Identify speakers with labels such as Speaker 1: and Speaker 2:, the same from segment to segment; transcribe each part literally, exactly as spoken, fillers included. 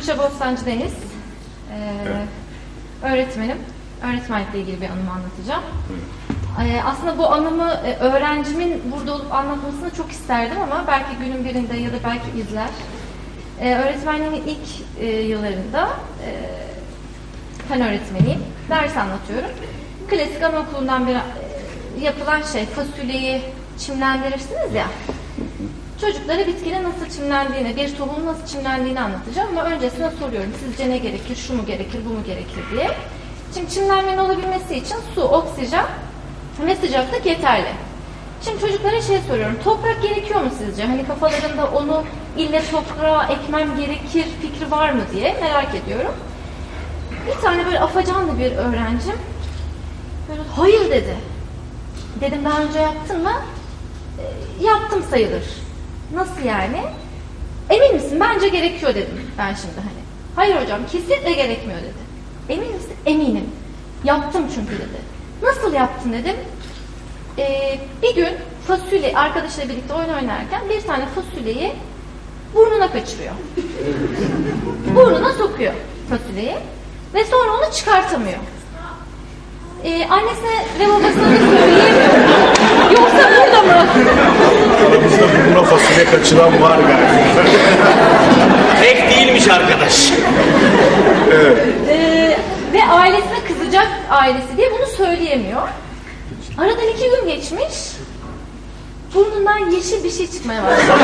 Speaker 1: Tuğçe Bostancı Deniz. Ee, evet. Öğretmenim. Öğretmenlikle ilgili bir anımı anlatacağım. Ee, aslında bu anımı e, öğrencimin burada olup anlatmasını çok isterdim ama belki günün birinde ya da belki izler. Ee, öğretmenliğimin ilk e, yıllarında e, fen öğretmeniyim. Ders anlatıyorum. Klasik anaokulundan bir e, yapılan şey, fasulyeyi çimlendirirsiniz ya. Çocuklara bitkinin nasıl çimlendiğini, bir tohumun nasıl çimlendiğini anlatacağım ama öncesine soruyorum. Sizce ne gerekir, şu mu gerekir, bu mu gerekir diye. Şimdi çimlenmenin olabilmesi için su, oksijen ve sıcaklık yeterli. Şimdi çocuklara şey soruyorum. Toprak gerekiyor mu sizce? Hani kafalarında onu ille toprağa ekmem gerekir fikri var mı diye merak ediyorum. Bir tane böyle afacanlı bir öğrencim böyle hayır dedi. Dedim daha önce yaptın mı? E, yaptım sayılır. Nasıl yani? Emin misin? Bence gerekiyor dedim ben şimdi hani. Hayır hocam kesinlikle gerekmiyor dedi. Emin misin? Eminim. Yaptım çünkü dedi. Nasıl yaptın dedim. Ee, bir gün fasulye arkadaşlarla birlikte oyun oynarken bir tane fasulyeyi burnuna kaçırıyor. Burnuna sokuyor fasulyeyi ve sonra onu çıkartamıyor. Ee, annesine ve babasına da söyleyemiyor. Yoksa burada mı?
Speaker 2: Aramızda burnuna fasulye kaçıran var galiba.
Speaker 3: Tek değilmiş arkadaş.
Speaker 2: Evet.
Speaker 1: Ee, ve ailesine kızacak ailesi diye bunu söyleyemiyor. Aradan iki gün geçmiş. Burnundan yeşil bir şey çıkmaya başladı.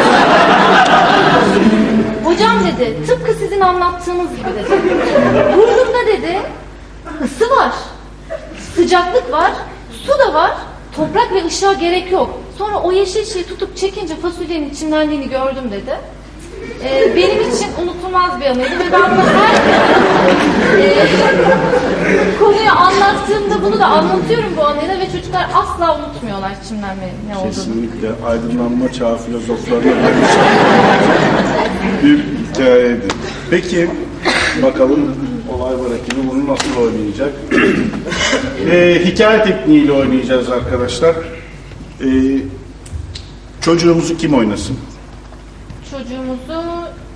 Speaker 1: Hocam dedi, tıpkı sizin anlattığınız gibi dedi. Burnumda dedi, ısı var, sıcaklık var, su da var, toprak ve ışığa gerek yok. Sonra o yeşil şeyi tutup çekince fasulyenin içindenliğini gördüm dedi. Ee, benim için unutulmaz bir anıydı ve ben bunu her e, konuyu anlattığımda bunu da anlatıyorum bu anıyla ve çocuklar asla unutmuyorlar çimlenmenin ne olduğunu.
Speaker 2: Kesinlikle aydınlanma çağı filozoflarına bir hikayeydi. Peki bakalım olay var ekibi bunu nasıl oynayacak? ee, hikaye tekniğiyle oynayacağız arkadaşlar. Ee, çocuğumuzu kim oynasın?
Speaker 1: Çocuğumuzu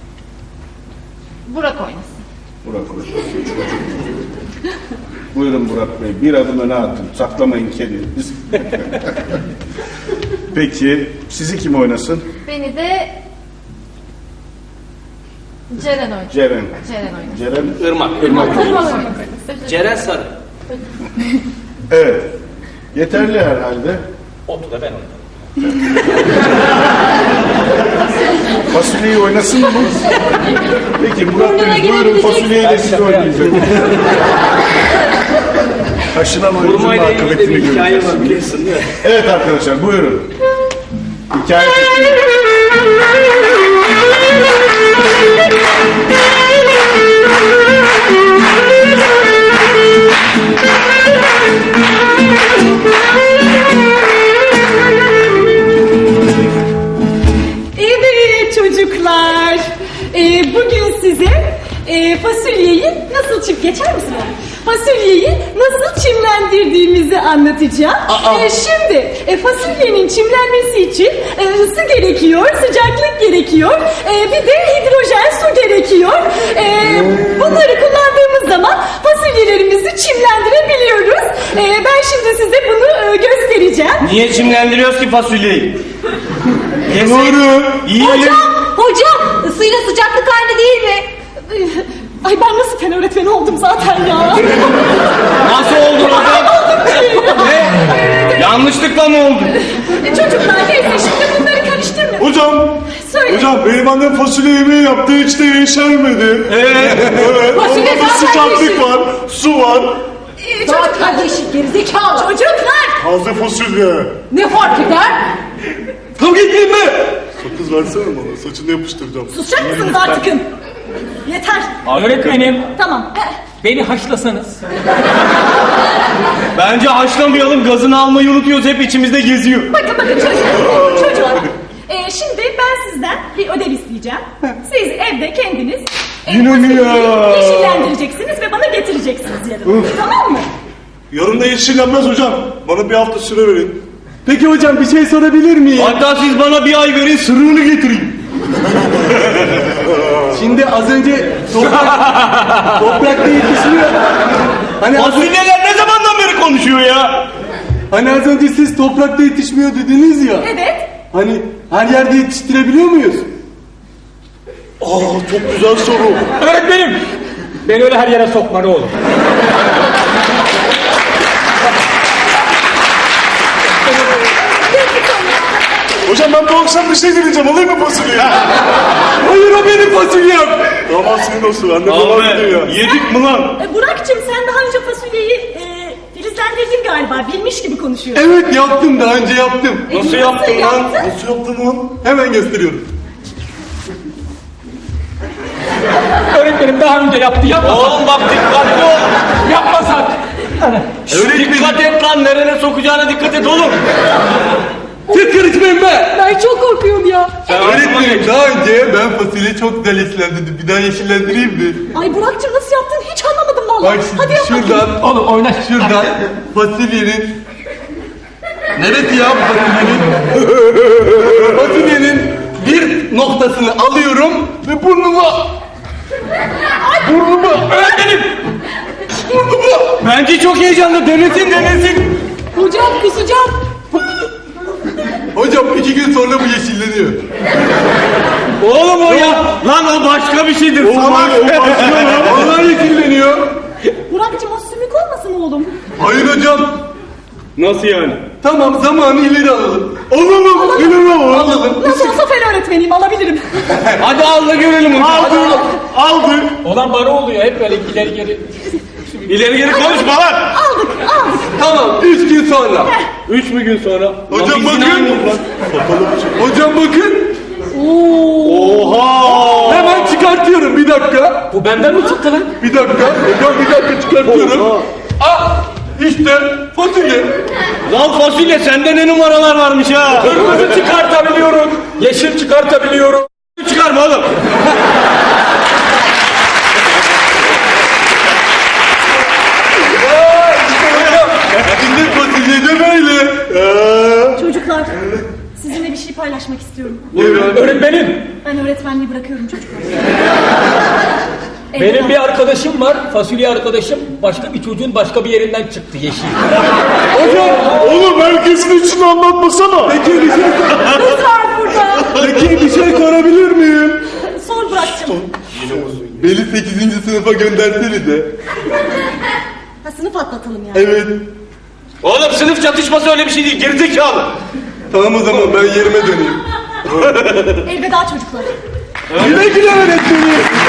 Speaker 1: Burak oynasın.
Speaker 2: Burak oynasın. Buyurun Burak Bey. Bir adım öne atın. Saklamayın kendinizi. Peki sizi kim oynasın?
Speaker 1: Beni de Ceren oynasın.
Speaker 2: Ceren.
Speaker 1: Ceren oynasın.
Speaker 2: Ceren.
Speaker 3: Irmak.
Speaker 2: Irmak.
Speaker 1: Irmak oynasın.
Speaker 3: Ceren Sarı.
Speaker 2: Evet. Yeterli herhalde.
Speaker 3: Otu da ben oynadım.
Speaker 2: Fasulyeyi oynasın mı? Peki Murat Bey buyurun fasulyeyi de siz oynayacak. Taşınan oyuncunun akıbetini göreceğiz.
Speaker 3: Hikaye var biliyorsun değil mi?
Speaker 2: Evet arkadaşlar buyurun. Hikaye tekniği.
Speaker 4: Evet çocuklar, ee, bugün size e, fasulyeyi nasıl çim geçer misin? Fasulyeyi nasıl çimlendirdiğimizi anlatacağım. E, şimdi e, fasulyenin çimlenmesi için e, ısı gerekiyor, sıcaklık gerekiyor, e, bir de hidrojen su gerekiyor. E, bunları kullandığımız zaman fasulyelerimizi çimlendirebiliyoruz. E, ben şimdi size bunu e, göstereceğim.
Speaker 3: Niye çimlendiriyoruz ki fasulyeyi?
Speaker 2: Doğru.
Speaker 3: Yiyelim.
Speaker 4: Hocam ısıyla sıcaklık aynı değil mi? Ay ben nasıl fen öğretmeni oldum zaten ya.
Speaker 3: Nasıl oldu hocam? Ne? Yanlışlıkla mı oldu?
Speaker 4: Çocuklar neyse şimdi bunları karıştırmayın.
Speaker 2: Hocam.
Speaker 4: Söyle.
Speaker 2: Hocam benim annem fasulye yemeği yaptı hiç de yeşermedi.
Speaker 3: Ee?
Speaker 2: Evet.
Speaker 4: Fasulye
Speaker 2: Onda da
Speaker 4: zaten
Speaker 2: sıcaklık
Speaker 4: yeşil.
Speaker 2: var, su var.
Speaker 4: Ee, çocuklar yeşil gerizekalı. Çocuklar
Speaker 2: Taze fasulye.
Speaker 4: ne fark eder?
Speaker 3: Kum gittin mi?
Speaker 2: Sakız versene bana saçını yapıştıracağım.
Speaker 4: Susacak mısınız artıkın? Yeter.
Speaker 5: Öğretmenim,
Speaker 4: Tamam.
Speaker 5: beni haşlasanız.
Speaker 3: Bence haşlamayalım, gazını almayı unutuyoruz, hep içimizde geziyor.
Speaker 4: Bakın bakın çocuklar. Çocuklar. Ee, şimdi ben sizden bir ödev isteyeceğim. Siz evde kendiniz e,
Speaker 2: Yine mi ya?
Speaker 4: fasulyeyi yeşillendireceksiniz ve bana getireceksiniz yarın. Tamam mı?
Speaker 2: Yarın da yeşillenmez hocam. Bana bir hafta süre verin.
Speaker 3: Peki hocam bir şey sorabilir miyim? Hatta siz bana bir ay verin, sırrını getireyim.
Speaker 6: Şimdi az önce toprak, toprakta yetişmiyor. Hani az,
Speaker 3: Fasulyeler ne zamandan beri konuşuyor ya?
Speaker 6: hani az önce siz toprakta yetişmiyor dediniz ya.
Speaker 4: Evet.
Speaker 6: Hani her yerde yetiştirebiliyor muyuz?
Speaker 2: Aa, çok güzel soru.
Speaker 5: Öğretmenim. Beni öyle her yere sokma ne olur.
Speaker 2: Hocam ben bu akşam bir şey deneyeceğim. Alayım mı fasulyeyi?
Speaker 6: Hayır o benim fasulyem.
Speaker 2: Aman senin olsun. Anne babam gidiyor.
Speaker 3: Yedik mi lan?
Speaker 4: E, Burak'cığım sen daha önce fasulyeyi e, filizlendirdin galiba. Bilmiş gibi konuşuyor.
Speaker 6: Evet yaptım daha önce yaptım.
Speaker 4: E,
Speaker 3: Nasıl yaptın lan?
Speaker 4: yaptın?
Speaker 2: Nasıl yaptın lan?
Speaker 6: Hemen gösteriyorum.
Speaker 5: Öğretmenim daha önce yaptı. Yapmasak.
Speaker 3: Oğlum bak dikkatli ol.
Speaker 5: Yapmasak.
Speaker 3: Dikkat et lan, nerene sokacağına dikkat et oğlum.
Speaker 6: Siz karışmayın be.
Speaker 4: Ben çok korkuyorum ya.
Speaker 6: Öğretmenim daha önce ben fasulyeyi çok güzel yeşillendirdim. Bir daha yeşillendireyim mi?
Speaker 4: Ay Burak'cığım nasıl yaptın hiç anlamadım vallahi.
Speaker 6: Bak şimdi
Speaker 4: Hadi yap bakayım.
Speaker 6: şuradan,
Speaker 5: Oğlum oyna.
Speaker 6: şuradan fasulyenin... Neresi ya fasulyenin? Fasulyenin bir noktasını alıyorum ve burnuma... Burnuma...
Speaker 3: Öğretmenim. Bence çok heyecanlı. Denesin denesin.
Speaker 4: Hocam kusacağım.
Speaker 6: Hocam iki gün sonra bu yeşilleniyor.
Speaker 3: Oğlum o ya. Lan o başka bir şeydir. Salak.
Speaker 6: Vallahi yeşilleniyor.
Speaker 4: Burak'cığım o sümük olmasın oğlum?
Speaker 6: Hayır hocam.
Speaker 3: Nasıl yani?
Speaker 6: Tamam zamanı ileri alalım. Alalım. İleri alalım. Alalım.
Speaker 4: Nasıl olsa fen öğretmeniyim alabilirim.
Speaker 3: Hadi al da görelim onu. Aldık. Aldık.
Speaker 5: Olan bana oluyor. Hep böyle ileri geri.
Speaker 3: İleri geri konuşma lan.
Speaker 4: Aldık aldık.
Speaker 6: Tamam üç gün sonra.
Speaker 3: Üç mü gün sonra?
Speaker 6: Hocam
Speaker 3: Lan biz
Speaker 6: bakın.
Speaker 3: inanmıyoruz lan.
Speaker 6: Hocam bakın.
Speaker 3: Oha.
Speaker 6: Hemen çıkartıyorum bir dakika.
Speaker 5: Bu benden mi çıktı lan?
Speaker 6: Bir dakika. Hocam bir dakika çıkartıyorum. Ah işte fasulye.
Speaker 3: Lan fasulye sende ne numaralar varmış ha.
Speaker 5: Kırmızı çıkartabiliyorum. Yeşil çıkartabiliyorum.
Speaker 3: Çıkarma oğlum.
Speaker 6: Şimdi fasulye de böyle.
Speaker 4: Çocuklar sizinle bir şey paylaşmak istiyorum.
Speaker 5: Öğretmenim.
Speaker 4: Ben öğretmenliği bırakıyorum çocuklar.
Speaker 5: Benim bir arkadaşım var. Fasulye arkadaşım. Başka bir çocuğun başka bir yerinden çıktı yeşil.
Speaker 2: Hocam, oğlum herkesin içini anlatmasana.
Speaker 6: Peki bir şey,
Speaker 4: Kız var burada.
Speaker 6: peki bir şey sorabilir miyim?
Speaker 4: Sor Burak'cığım.
Speaker 6: Beni sekizinci sınıfa göndersenize.
Speaker 4: Ha sınıf atlatalım yani.
Speaker 6: Evet.
Speaker 3: Oğlum sınıf çatışması öyle bir şey değil. Gerizekalı.
Speaker 6: Tamam o zaman ben yerime döneyim.
Speaker 4: Elveda çocuklar.
Speaker 6: Güle güle öğretmenim.